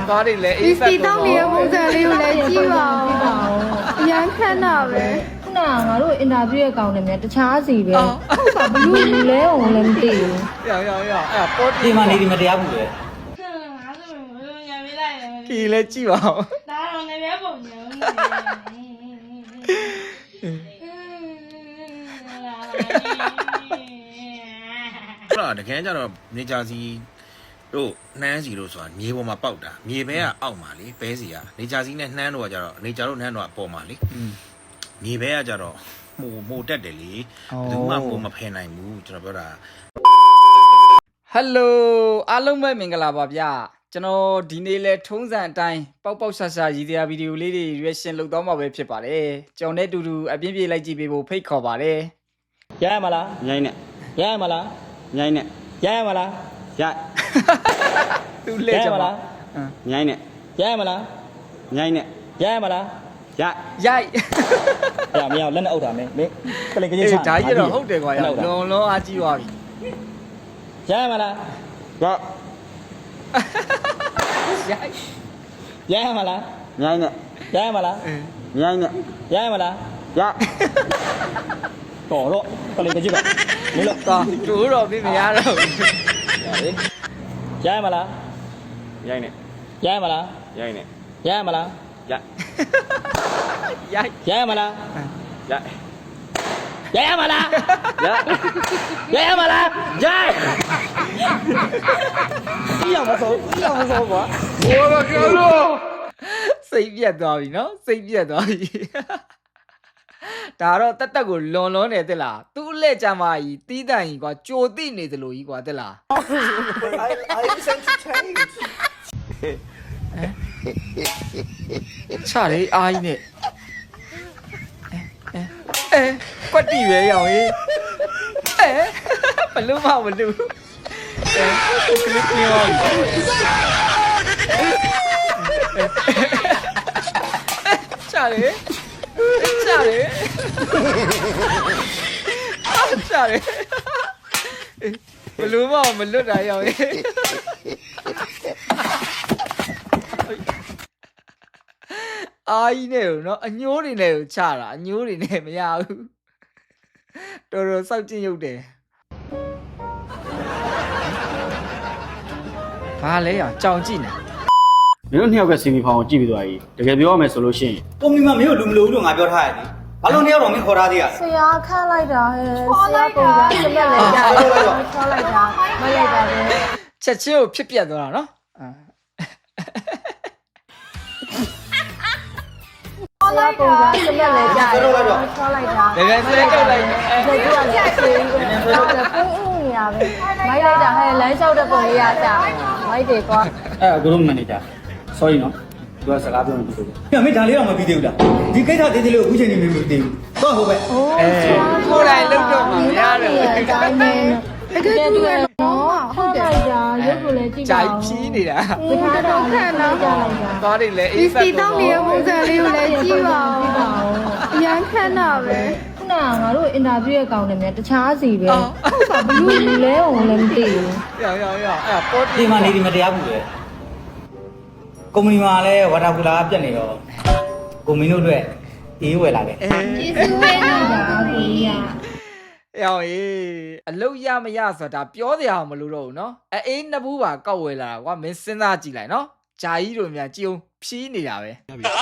သွားတယ်လေအေးဆက်တော့ဒီတောင်းနေတဲ့ပုံစံလေးကိုလည်းကြည့်ပါဦးရမ်းခမ်းတာပဲခုနကငါတို့အင်တာဗျူးရဲ့ကောင်းတယ်မြန်တခြားစီပဲဟုတ်ပါဘလူးလူလဲအောင်လည်းမသိဘူးရောက်အဲ့ပေါ်ဒီမှာနေဒီမတရားဘူးလေကီလည်းကြည့်ပါဦးဒါတော့လည်းပဲပုံညံဟုတ်လားတကယ်ကြတော့နေကြစီတို့နှမ်းစီတို့ဆိုတာမြေပေါ်မှာပေါက်တာမြေဘဲကအောက်မှာလေဘဲစီကနေကြစီနဲ့နှမ်းတို့ကကြတော့နေကြတို့နှမ်းတို့ကအပေါ်မှာလေမြေဘဲကကြတော့မိုတက်တယ်လေဘယ်သူမှပုံမဖယ်နိုင်ဘူးကျွန်တော်ပြောတာဟယ်လိုအားလုံးပဲမင်္ဂလာပါဗျာကျွန်တော်ဒီနေ့လဲထုံးစံအတိုင်းပေါက်ပေါက်ဆာဆာရည်တရားဗီဒီယိုလေးတွေ reaction လုပ်တော့မှာပဲဖြစ်ပါတယ်ကျွန်တော်နဲ့တူတူအပြင်းပြေးလိုက်ကြည့်ပေးဖို့ဖိတ်ခေါ်ပါတယ်ရရမလားညိုင်းနဲ့ရရမလားညိုင်းနဲ့ရရမလားရသူလဲကြပါလားညိုင်းနဲ့ရရမလားညိုင်းနဲ့ရရမလားရိုက်ရမရလက်နဲ့အုပ်တာမင်းကလေးကလေးချာဒါကြီးတော့ဟုတ်တယ်ကွာလွန်အားကြီးသွားပြီရရမလားရရရမလားညိုင်းနဲ့ရရမလားညိုင်းနဲ့ရရမလားရတော်တော့ကလေးကလေးပါမင်းလို့တို့တော့ပြမရတော့ရရမလားညိုင်းနဲ့ရရမလားညိုင်းနဲ့ရရမလားရရရမလားရရရမလားရရရမလားရရမဆုံးကွာဘိုးတော့ကြောလို့စိတ်ပြတ်သွားပြီနော်စိတ်ပြတ်သွားပြီဒါတော့တက်တက်ကိုလွန်နေတက်လားသူ့အလက်ကြမ်းမကြီးတီးတန်ကြီးကွာကြိုတိနေသလိုကြီးကွာတက်လား I sense change ချာလေအားကြီးနဲ့ကွက်တီပဲရောင်ကြီးဘလို့မဘလို့ကလစ်ပြောချာလေဘလို့မလွတ်တာရောင်ကြီးအာကြီးနဲ့နော်အညိုးတွေနဲ့ချတာအညိုးတွေနဲ့မရဘူးတော်တော်စောက်ကျင်ရုပ်တယ်ဘာလဲရကြောင်ကြည့်နေမင်းတို့နှစ်ယောက်ကစီမီဖောင်ကိုကြည့်ပြီးသွားပြီတကယ်ပြောရမယ်ဆိုလို့ရှိရင်ကုမ္ပဏီမှာမင်းတို့လူမလို့လို့ငါပြောထားရတယ်ဘာလို့နှစ်ယောက်တော့မင်းခေါ်ထားသေးရဆရာခန့်လိုက်တာဟဲ့ဆရာပုံစံစက်လက်ကြာချောလိုက်တာမလိုက်တာပဲချက်ချင်းကိုဖြစ်ပြတ်သွားတာနော်ဆရာပုံစံစက်လက်ကြာချောလိုက်တာတကယ်ဆွဲကြလိုက်ဒီကကြာချေးပြီးတော့ပုံရပဲမိုက်လိုက်တာဟဲ့လမ်းလျှောက်တဲ့ပုံလေးရကြာမိုက်တယ်ကွာအဲ့ကိုလုံးမန်နေဂျာ sorry နော်သူကစကားပြောနေပြီ။မင်းဒါလေးတော့မပြီးသေးဘူးလား။ဒီကိစ္စသေးသေးလေးကိုအခုချိန်နေမပြီးသေးဘူး။တော့ဟုတ်ပဲ။ကိုယ်တိုင်လုပ်တော့မှမရတယ်။အတိုင်းပဲ။တကယ်တူရနော်။ဟုတ်တယ်ကြာရုပ်ကိုလည်းကြည့်ပါဦး။ဂျိုက်ဖြီးနေတာ။ဒီကတော့ခန့်တော့ကြာလိုက်တာ။သွားတယ်လေအေးဆက်တော့ဒီတောင်းနေတဲ့ပုံစံလေးကိုလည်းကြည့်ပါဦး။အရန်ခန့်တာပဲ။ခုနကငါတို့အင်တာဗျူးရဲ့ကောင်းတယ်မြန်တခြားစီပဲဟုတ်ပါဘလူးလူလဲအောင်လည်းမသိဘူးရောက်အဲ့ပေါ်ဒီမှာနေဒီမတရားဘူးလေကုမ္ပဏီမှာလည်းဝါတာကူလာပြတ်နေတော့ကုမ္ပဏီတို့အတွက်အေးဝယ်လာတယ်ကျေးဇူးပဲနော်ကိုကြီးရောင်အလုတ်ရမရဆိုတာပြောစရာမလိုတော့ဘူးနော်အေးနှစ်ဘူးပါကောက်ဝယ်လာတာကွာမင်းစဉ်းစားကြည့်လိုက်နော်ဂျာကြီးတို့များကြည်အောင်ဖြီးနေတာပဲ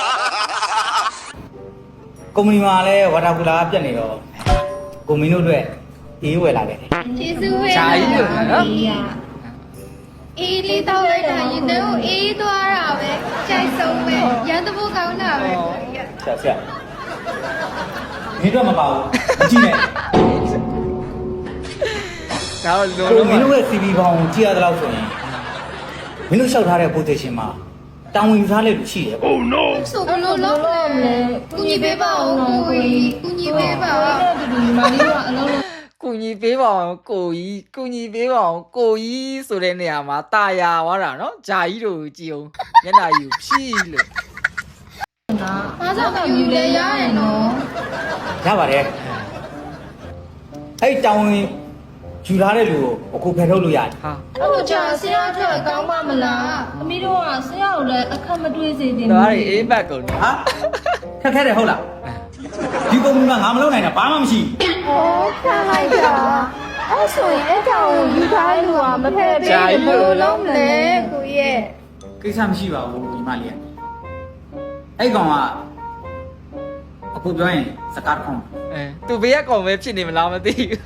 ကုမ္ပဏီမှာလည်းဝါတာကူလာပြတ်နေတော့ကုမ္ပဏီတို့အတွက်အေးဝယ်လာတယ်ကျေးဇူးပဲဂျာကြီးတို့နော်အေးလေးတောက်လိုက်တာရင်ထဲကိုအေးသွားတာပဲကြိုက်ဆုံးပဲရန်တဖို့ကောင်းတာပဲဆရာမင်းတို့မပါဘူးအကြည့်နဲ့ဒါတော့လုံးမင်းတို့ရဲ့ CV ဘောင်ကိုကြည့်ရတဲ့လောက်ဆိုရင်မင်းတို့လျှောက်ထားတဲ့ position မှာတာဝန်ယူထားတဲ့လူရှိတယ် Oh no ဆိုဘလို့လုံးလဲကုညီပေးပါဦးကိုကြီးကုညီပေးပါဒီမာလီကအလုံးကူညီပေးပါအောင်ကိုကြီးဆိုတဲ့နေရာမှာတာယာသွားတာနော်ဂျာကြီးတို့ကြည်အောင်မျက်နှာကြီးကိုဖြီးလို့အားစားကယူလဲရရင်နော်ရပါတယ်အဲ့တောင်းဝင်ယူထားတဲ့လူကိုအခုဖယ်ထုတ်လို့ရတယ်ဟာအဲ့လိုကြာဆရာထွက်ကောင်းပါမလားအမီတို့ကဆရာကိုလလည်းအခက်မတွေးစေတင်တော်ရီအေးဘက်ကုန်တယ်ဟာခက်ခဲတယ်ဟုတ်လားဒီကုမ္ပဏီမှာငါမလုပ်နိုင်တာဘာမှမရှိဟောခံလိုက်တာအဲ့ဆိုရင်အဲ့ကြောင့်ယူထားလူကမဖက်ပေးဘယ်လိုလုပ်မလဲကိုရဲ့ကိစ္စမရှိပါဘူးဒီမလေးကအဲ့ကောင်ကအခုပြောရင်စကားတစ်ခုသူဘေးကကောင်ပဲဖြစ်နေမလားမသိဘူး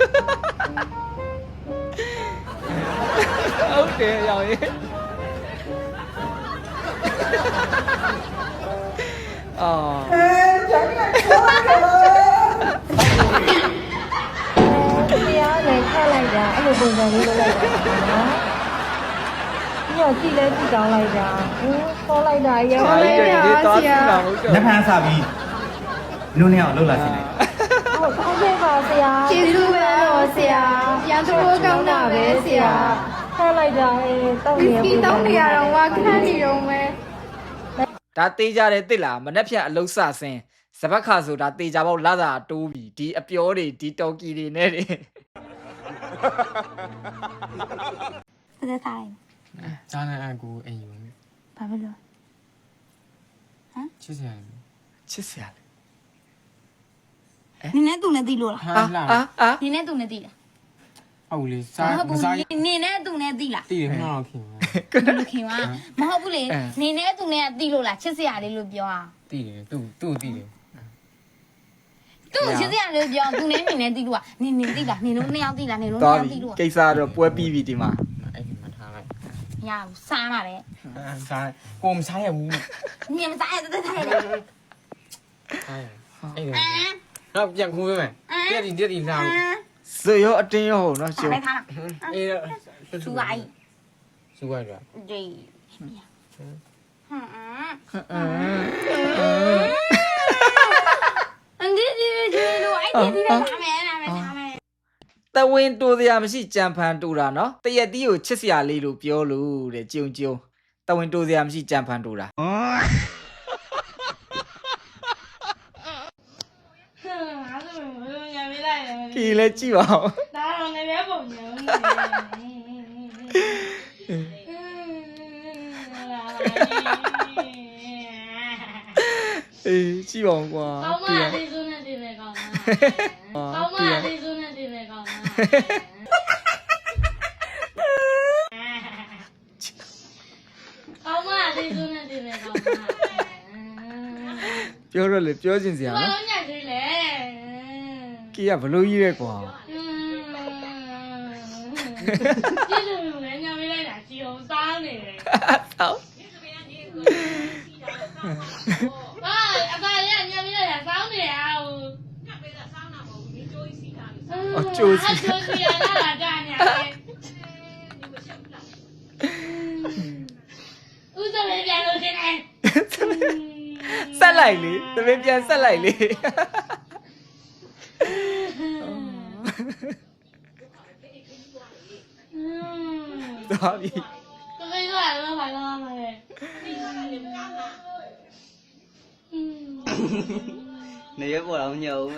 ဟုတ်တယ်ရောင်ရေးအော်တရားလည်းခက်လိုက်တာအဲ့လိုပုံစံလေးလုပ်လိုက်တာနော်ပြီးတော့ကြည့်လဲကြည့်ကောင်းလိုက်တာခေါ်လိုက်တာရောဟာလေးဒီပါဒီတော့ဆရာစီလာဟုတ်တယ်လက်ဖန်စားပြီးနုံနေအောင်လှုပ်လာစီလိုက်ဟုတ်ကောင်းခဲ့ပါဆရာကျေးဇူးပဲတော့ဆရာရန်သူကောင်းတာပဲဆရာခက်လိုက်တာတောက်ဝီနေစကီတောင်းနေရတော့ဝါခန့်နေတော့မဲဒါတေးကြတယ်တိလားမနှက်ဖြတ်အလုံးစဆင်းစပတ်ခါဆိုတာတေးကြပေါ့လာတာတိုးပြီဒီအပြောတွေဒီတော်ကီတွေနဲ့တွေသက်သာရင်ကြားနေအကူအိမ်ယူဘာဖြစ်လို့ချစ်စရာချစ်စရာလေနင်းနဲ့သူနဲ့တီးလို့လားဟာလာအာနင်းနဲ့သူနဲ့တီးလားဟုတ်လေစားမစားရနင်းနဲ့သူနဲ့တီးလားတည်တယ်မှတော့ခင်ဘယ်လိုခင်ပါမဟုတ်ဘူးလေနင်းနဲ့သူနဲ့တီးလို့လားချစ်စရာလေးလို့ပြောอ่ะတည်တယ်သူ့တည်တယ်သူ့ချစ်စရာလေးလို့ပြောသူနဲ့နင်းနဲ့တီးလို့อ่ะနင်းတီးလားနင်းတို့နှစ်ယောက်တီးလားနင်းတို့တော်နှစ်ယောက်ပြီတီးလို့ကိစ္စတော့ပွဲပြီးပြီဒီမှာအဲ့ဒီမှာထားလိုက်မရဘူးစားပါလေစားကိုမစားရဘူးနင်းမစားရတဲ့တဲ့စားရအဲ့ဒါတော့ပြန်ခုပေးမယ်တက်တီလာဇွရောအတင်းရောဟုတ်နော်ရှင်လိုက်ထားလားအေးသူကအဲ့စုရရဒီဟမ်အန်ဒီဒီလို့အဲ့ဒီလာမယ်လာမယ်လာမယ်တဝင်းတိုးစရာမရှိကြံဖန်တူတာနော်တရက်တီးကိုချစ်စရာလေးလို့ပြောလို့တဲ့ကြုံကြုံတဝင်းတိုးစရာမရှိကြံဖန်တူတာ ဒီလည်းကြည့်ပါဦးဒါတော့ငယ်ပဲပုံညံနေအေးကြည့်ပါဦးကွာကောင်းမဒီလေးစုနဲ့တင်နေကောင်းမကောင်းမလေးစုနဲ့တင်နေကောင်းမကောင်းမလေးစုနဲ့တင်နေကောင်းမပြောတော့လေပြောချင်စရာဘာနော်လို့ညံ့သေးလဲကီကဘလို့ကြီးရဲကွာကျေးဇူးလည်းညံ့ပေးလိုက်တာကြည်အောင်စားနေတယ်ဆောက်ဟာအပါလေးညံ့ပေးလိုက်တာစားနေရအောင်အကျိုးစီအကျိုးစီရလာတာညာဦးစမေးပြန်လို့တင်နေဆက်လိုက်လေသမင်းပြန်ဆက်လိုက်လေသွားပြီသမီးကလည်းဘာလို့မလဲနေရပေါ်အောင်ညောပဲ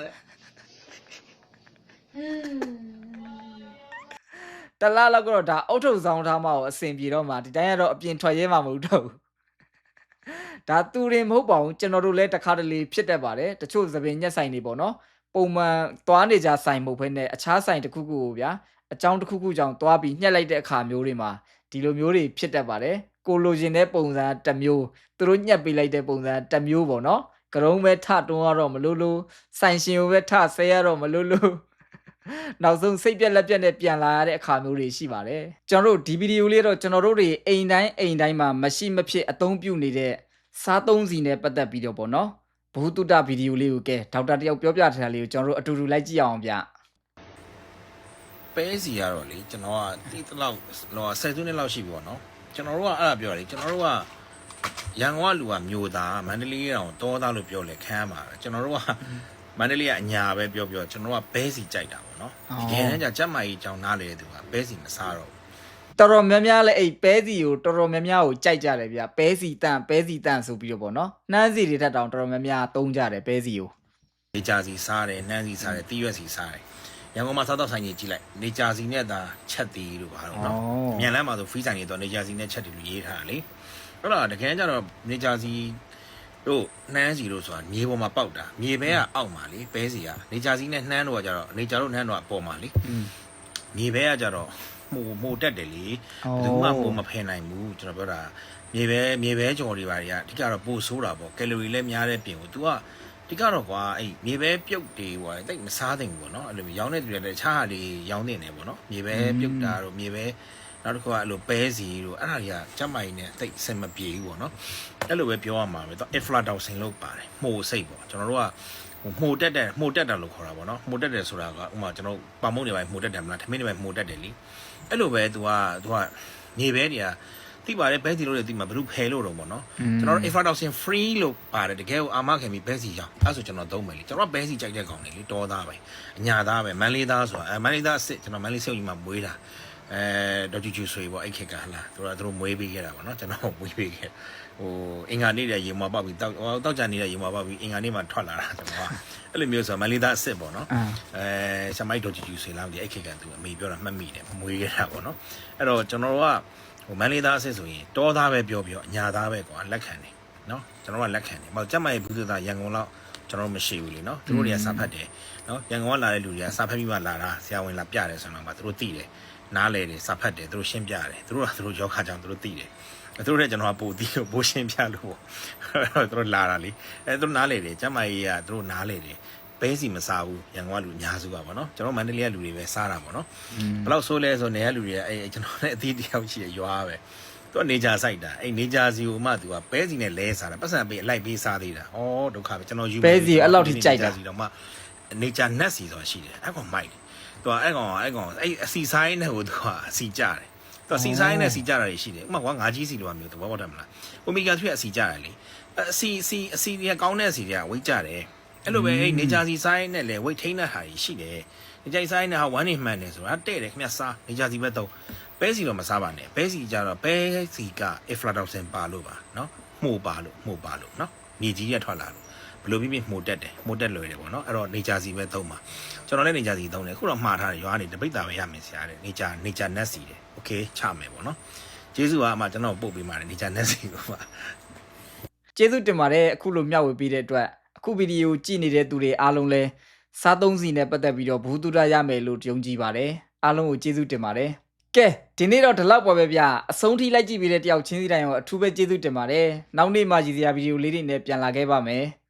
တလားလောက်ကတော့ဒါအုတ်ထုပ်ဆောင်ထားမှကိုအစင်ပြေတော့မှဒီတိုင်းကတော့အပြင်ထွက်ရဲမှာမဟုတ်တော့ဘူးဒါသူရင်မဟုတ်ပါဘူးကျွန်တော်တို့လည်းတစ်ခါတလေဖြစ်တတ်ပါတယ်တချို့သပင်ညက်ဆိုင်တွေပေါ့နော်ပုံမှန်သွားနေကြဆိုင်မဟုတ်ဘဲနဲ့အခြားဆိုင်တစ်ခုခုကိုဗျာအကြောင်းတစ်ခုခုကြောင့်သွားပြီးညှက်လိုက်တဲ့အခါမျိုးတွေမှာဒီလိုမျိုးတွေဖြစ်တတ်ပါတယ်ကိုလိုချင်တဲ့ပုံစံတစ်မျိုးသူတို့ညှက်ပေးလိုက်တဲ့ပုံစံတစ်မျိုးပေါ့နော်ကရုံးပဲထတွန်းရတော့မလို့လို့ဆိုင်ရှင်ကိုပဲထဆဲရတော့မလို့လို့နောက်ဆုံးစိတ်ပြက်လက်ပြက်နဲ့ပြန်လာရတဲ့အခါမျိုးတွေရှိပါတယ်ကျွန်တော်တို့ဒီဗီဒီယိုလေးတော့ကျွန်တော်တို့တွေအိမ်တိုင်းမှာမရှိမဖြစ်အသုံးပြုနေတဲ့စားသုံးစီနဲ့ပတ်သက်ပြီးတော့ပေါ့နော်ဘုသူတဗီဒီယိုလေးကိုကဲဒေါက်တာတယောက်ပြောပြထားတာလေးကိုကျွန်တော်တို့အတူတူလိုက်ကြည့်အောင်ဗျပဲစီရတော့လေကျွန်တော်ကတိတလောက်တော့10စုနှစ်လောက်ရှိပြီပေါ့နော်ကျွန်တော်တို့ကအဲ့ဒါပြောတယ်ကျွန်တော်တို့ကရန်ကုန်ကလူကမျိုးသားမန္တလေးတောင်တောသားလို့ပြောလေခမ်းပါကျွန်တော်တို့ကမန္တလေးကအညာပဲပြောကျွန်တော်ကဘဲစီကြိုက်တာပေါ့နော်တကယ်တမ်းကျကျက်မကြီးကြောင်နားလေသူကဘဲစီမစားတော့တော်တော်များများလဲအဲ့ပဲစီကိုတော်တော်များများကိုကြိုက်ကြတယ်ဗျပဲစီတန့်ဆိုပြီးတော့ပေါ့နော်နှမ်းစီတွေထက်တောင်တော်တော်များများသုံးကြတယ်ပဲစီကိုနေကြစီစားတယ်နှမ်းစီစားတယ်တီးရွက်စီစားတယ်ရန်ကုန်မှာစားတော့ဆိုင်ကြီးကြည့်လိုက်နေကြစီနဲ့သာချက်တီးလို့ပါတော့နော်မြန်လမ်းမှာဆိုဖီးဆိုင်ကြီးတော့နေကြစီနဲ့ချက်တီးလို့ရေးထားတာလေဟုတ်လားတကယ်ကြတော့နေကြစီတို့နှမ်းစီတို့ဆိုတာမြေပေါ်မှာပေါက်တာမြေဘဲကအောက်မှာလေပဲစီကနေကြစီနဲ့နှမ်းတို့ကကြတော့နေကြတို့နှမ်းတို့ကအပေါ်မှာလေမြေဘဲကကြတော့မှုတက်တယ်လေဘယ်သူမှပုံမဖယ်နိုင်ဘူးကျွန်တော်ပြောတာမြေဘဲကြော်တွေပါတွေကအဓိကတော့ပိုဆိုးတာပေါ့ကယ်လိုရီလည်းများတဲ့ပြင်ကို तू ကဒီကတော့ကွာအဲ့မြေပဲပြုတ်တွေဟိုတိတ်မစားသင့်ဘူးပေါ့နော်အဲ့လိုရောင်းတဲ့သူတွေလည်းတခြားဟာတွေရောင်းနေတယ်ပေါ့နော်မြေပဲပြုတ်တာတို့မြေပဲနောက်တစ်ခုကအဲ့လိုပဲစီတို့အဲ့ဒါတွေကကြက်မိုင်နဲ့တိတ်အဆင်မပြေဘူးပေါ့နော်အဲ့လိုပဲပြောရမှာပဲသူ aflatoxin လို့ပါတယ်မှုစိတ်ပေါ့ကျွန်တော်တို့ကမှုတက်တာလို့ခေါ်တာပေါ့နော်မှုတက်တယ်ဆိုတာကဥမာကျွန်တော်ပါမုံတွေပိုင်းမှုတက်တယ်မလားထမင်းတွေပိုင်းမှုတက်တယ်လीအဲ့လိုပဲ तू ကမြေပဲတွေကတိပါတယ်ဘဲစီလို့လည်းတိမှာဘယ်လိုဖယ်လို့တော့ပေါ့နော်ကျွန်တော်တို့ aflatoxin free လို့ပါတယ်တကယ်ကိုအာမခံပြီးဘဲစီရောင်းအဲ့ဆိုကျွန်တော်သုံးမယ်လीကျွန်တော်ဘဲစီကြိုက်တဲ့ကောင်တွေလीတောသားပဲအညာသားပဲမန်လေးသားဆိုတာမန်လေးသားအစ်စ်ကျွန်တော်မန်လေးစေုပ်ကြီးမှာမွေးတာဒေါ်ကျူဆွေပေါ့အဲ့ခေတ်ကဟလာသူတို့မွေးပေးခဲ့တာပေါ့နော်ကျွန်တော်မွေးပေးခဲ့ဟိုအင်္ဂါနေ့တည်းရေမွားပေါက်ပြီးတောက်ကြနေတဲ့ရေမွားပေါက်ပြီးအင်္ဂါနေ့မှာထွက်လာတာကျွန်တော်ကအဲ့လိုမျိုးဆိုမန်လေးသားအစ်စ်ပေါ့နော်ဆမိုက်ဒေါ်ကျူဆွေလာမသိအဲ့ခေတ်ကသူအမေပြောတာမှတ်မိတယ်မွေးခဲ့တာပေါ့နော်အဲ့တော့ကျွန်တော်ကဟိုမန်လေးသားအစ်စ်ဆိုရင်တောသားပဲပြောအညာသားပဲကွာလက်ခံတယ်နော်ကျွန်တော်ကလက်ခံတယ်ဘာကြက်မိုင်ဘူးသသားရန်ကုန်လောက်ကျွန်တော်မရှိဘူးလေနော်သူတို့တွေကစာဖတ်တယ်နော်ရန်ကုန်ကလာတဲ့လူတွေကစာဖတ်ပြီးမှလာတာဆရာဝန်လာပြတယ်ဆိုတော့မှသူတို့သိတယ်နားလေတယ်စာဖတ်တယ်သူတို့ရှင်းပြတယ်သူတို့ကသူတို့ယောဂကြောင့်သူတို့သိတယ်သူတို့နဲ့ကျွန်တော်ကပို့သိလို့ပို့ရှင်းပြလို့ပေါ့သူတို့လာတာလေသူတို့နားလေတယ်ကျမကြီးကသူတို့နားလေတယ်ဘဲစီမစားဘူးရန်ကုန်ကလူအများစုကပေါ့နော်ကျွန်တော်မန္တလေးကလူတွေပဲစားတာပေါ့နော်ဘယ်လောက်ဆိုးလဲဆိုနေရလူတွေကကျွန်တော်နဲ့အသီးတယောက်ရှိရရွာပဲသူကနေကြစိုက်တာနေကြစီကိုမှသူကဘဲစီနဲ့လဲစားတာပတ်စံပေးအလိုက်ပေးစားသေးတာဩဒုက္ခပဲကျွန်တော်ယူဘဲစီအဲ့လောက်ထိကြိုက်တာစီတော့မှနေကြနက်စီဆိုတာရှိတယ်အဲ့ကောင်မိုက်တယ်သူကအဲ့ကောင်အဲ့အစီဆိုင်နဲ့ဟိုသူကအစီကြတယ်သူအစီဆိုင်နဲ့စီကြတာတွေရှိတယ်ဥပမာကွာငါးကြီးစီလိုမျိုးသဘောပေါက်တယ်မလားအိုမီဂါ3အစီကြတယ်လေအစီတွေကကောင်းတဲ့အစီတွေကဝိတ်ကြတယ်အဲ့လိုပဲအဲ့နေကြစီဆိုင်နဲ့လေဝိတ်ထိန်းတဲ့ဟာကြီးရှိတယ်နေကြစီဆိုင်နဲ့ဟာဝမ်းနေမှန်တယ်ဆိုတာတဲ့တယ်ခင်ဗျစားနေကြစီပဲတော့ပဲစီတော့မစားပါနဲ့ပဲစီကြတော့ပဲစီက aflatoxin ပါလို့ပါနော်မှုပါလို့နော်မြေကြီးရထွက်လာလို့ဘယ်လိုဖြစ်မှုတက်တယ်မှုတက်လွယ်တယ်ပေါ့နော်အဲ့တော့နေကြစီပဲသုံးပါကျွန်တော်လည်းနေကြစီသုံးတယ်ခုတော့မှားထားတယ်ရွာနေတပိတ်တာပဲရမယ်ဆရာတဲ့နေကြနက်စီတယ်โอเคချမယ်ပေါ့နော်ကျေးဇူးပါအမကျွန်တော်ပို့ပေးပါတယ်နေကြနက်စီကိုပါကျေးဇူးတင်ပါတယ်အခုလိုမျှဝေပေးတဲ့အတွက်အခုဗီဒီယိုကြည့်နေတဲ့သူတွေအားလုံးလည်းစားသုံးစီနဲ့ပတ်သက်ပြီးတော့ဘူးတူတာရမယ်လို့ယုံကြည်ပါတယ်အားလုံးကိုကျေးဇူးတင်ပါတယ်ကဲဒီနေ့တော့ဒီလောက်ပါပဲဗျအဆုံးထိလိုက်ကြည့်ပေးတဲ့တယောက်ချင်းစီတိုင်းရောအထူးပဲကျေးဇူးတင်ပါတယ်နောက်နေ့မှကြည့်စရာဗီဒီယိုလေးတွေနဲ့ပြန်လာခဲ့ပါမယ်